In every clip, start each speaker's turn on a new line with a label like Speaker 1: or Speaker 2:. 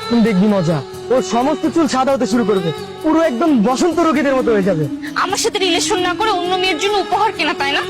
Speaker 1: তুমি দেখবি মজা। ওর সমস্ত চুল সাদা হতে শুরু করবে, পুরো একদম বসন্ত রোগীদের মতো হয়ে যাবে।
Speaker 2: আমার সাথে রিলেশন না করে অন্য মেয়ের জন্য উপহার কেনা, তাই না?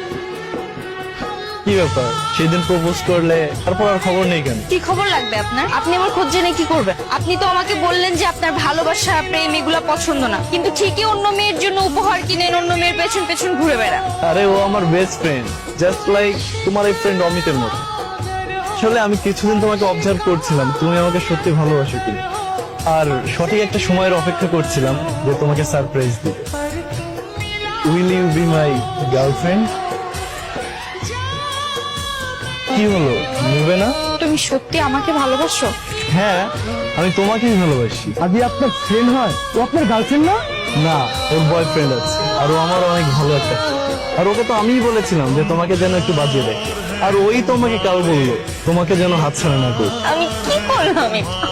Speaker 3: কি ব্যাপার, সেদিন প্রপোজ করলে তারপর আর খবর নেই কেন?
Speaker 2: কি খবর লাগবে আপনার? আপনি আমার খোঁজ জেনে কি করবেন? আপনি তো আমাকে বললেন যে আপনার ভালোবাসা প্রেম এগুলা পছন্দ না, কিন্তু ঠিকই অন্য মেয়ের জন্য উপহার কিনেন, অন্য মেয়ের পেছন পেছন ঘুরে বেড়ান।
Speaker 3: আরে ও আমার বেস্ট ফ্রেন্ড, জাস্ট লাইক তোমার এই ফ্রেন্ড অমিতের মতো। আসলে আমি কিছুদিন তোমাকে অবজার্ভ করছিলাম, তুমি আমাকে সত্যি ভালোবাসো কিনা, আর সঠিক একটা সময়ের অপেক্ষা করছিলাম যে তোমাকে সারপ্রাইজ দিতে। Will you be my girlfriend? কি হলো, নেবে না?
Speaker 2: তুমি সত্যি আমাকে ভালোবাসো?
Speaker 3: হ্যাঁ, আমি তোমাকেই ভালোবাসি।
Speaker 1: আদি আপনার ফ্রেন্ড হয়, ও আপনার গার্লফ্রেন্ড না?
Speaker 3: না, ওর বয়ফ্রেন্ড আছে, আর ও আমার অনেক ভালো একটা friend। আর ওকে তো আমিই বলেছিলাম যে তোমাকে যেন একটু বাজিয়ে দেয়, আর ওই তোমাকে কাল বললো তোমাকে যেন হাতছাড়া না করি।
Speaker 2: আমি কি করলাম?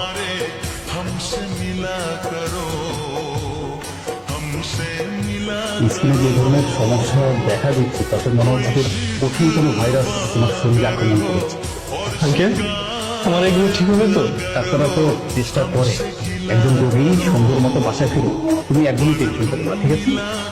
Speaker 4: স্কিনে যে ধরনের সমস্যা দেখা দিচ্ছে তাতে মনে হচ্ছে কঠিন কোনো ভাইরাস তোমার শরীরে আক্রমণ করেছে।
Speaker 3: আঙ্কেল, আমার এগুলো ঠিক হবে তো?
Speaker 4: ডাক্তাররা তো চেষ্টা করে একজন রোগী সুন্দর মতো বাসায় ফিরুক। তুমি একদমই টেনশন করবে না, ঠিক আছে?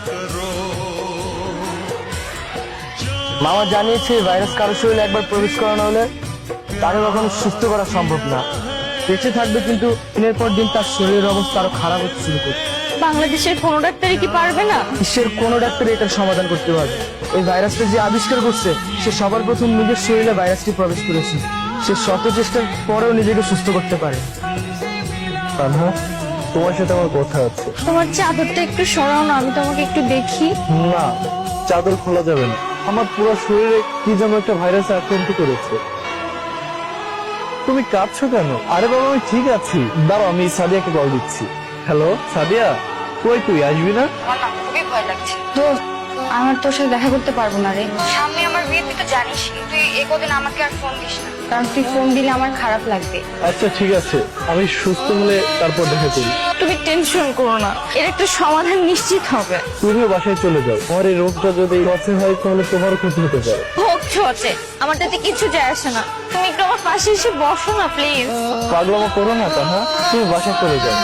Speaker 1: মামা জানিয়েছে ভাইরাস কারো শরীরে একবার প্রবেশ করানো হলে তাকে কখনো সুস্থ করা সম্ভব না। বেঁচে থাকবে, কিন্তু দিনের পর দিন তার শরীরের অবস্থা আরো খারাপ হতে শুরু করবে।
Speaker 2: বাংলাদেশের কোনো ডাক্তারই কি পারবে না?
Speaker 1: বিশ্বের কোনো ডাক্তার এটার সমাধান করতে পারবে। এই ভাইরাসটা যে আবিষ্কার করছে সে সবার প্রথম নিজের শরীরে ভাইরাসটি প্রবেশ করেছে। সে শত চেষ্টার পরেও নিজেকে সুস্থ করতে পারে।
Speaker 3: তানহা, তোমার সাথে আমার কথা আছে।
Speaker 2: তোমার চাদরটা একটু সরাও না, আমি তোমাকে একটু দেখি।
Speaker 3: না, চাদর খোলা যাবে না। আমার পুরো শরীরে কি যেন একটা ভাইরাস আক্রান্ত করেছে। তুমি কাঁদছো কেন? আরে বাবা, আমি ঠিক আছি। দাঁড়াও, আমি সাদিয়াকে কল দিচ্ছি। হ্যালো সাদিয়া, কই তুই, আসবি না?
Speaker 2: আমার না খুবই ভয় লাগছে। দোস্ত, আমার তোর সাথে দেখা করতে পারবো না রে। সামনে আমার বিয়ে, তুই তো জানিস। তুই একদিন আমাকে আর ফোন দিস না, কারণ তুই ফোন দিলে আমার খারাপ লাগবে।
Speaker 3: আচ্ছা ঠিক আছে, আমি সুস্থ হলে তারপর দেখা করি।
Speaker 2: তুমি টেনশন করো না, এর একটা সমাধান নিশ্চিত হবে।
Speaker 3: তুমিও বাসায় চলে যাও। আমার এই রোগটা যদি লসে হয় তাহলে তোমারও ক্ষতি হতে পারে।
Speaker 2: হোক ছোটে, আমার তাতে কিছু যায় আসে না। তুমি একটু আমার পাশে এসে বসো না প্লিজ।
Speaker 3: পাগলামো করো না তাহা, তুমি বাসায় চলে যাও।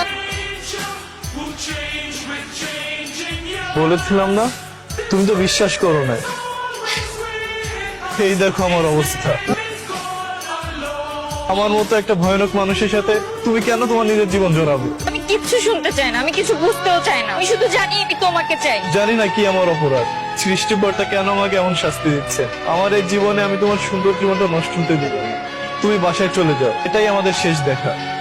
Speaker 3: বলেছিলাম না, তুমি তো বিশ্বাস করো না। এই দেখো আমার অবস্থা। আমার মতো একটা ভয়ানক মানুষের সাথে তুমি কেন তোমার নিজের জীবন জড়াবে?
Speaker 2: আমি কিচ্ছু শুনতে চাই না, আমি কিছু বুঝতেও চাই না। আমি শুধু জানি আমি তোমাকে চাই।
Speaker 3: জানি না কি আমার অপরাধ, সৃষ্টিকর্তা কেন আমাকে এমন শাস্তি দিচ্ছে। আমার এই জীবনে আমি তোমার সুন্দর জীবনটা নষ্ট হতে দিব না। তুমি বাসায় চলে যাও, এটাই আমাদের শেষ দেখা।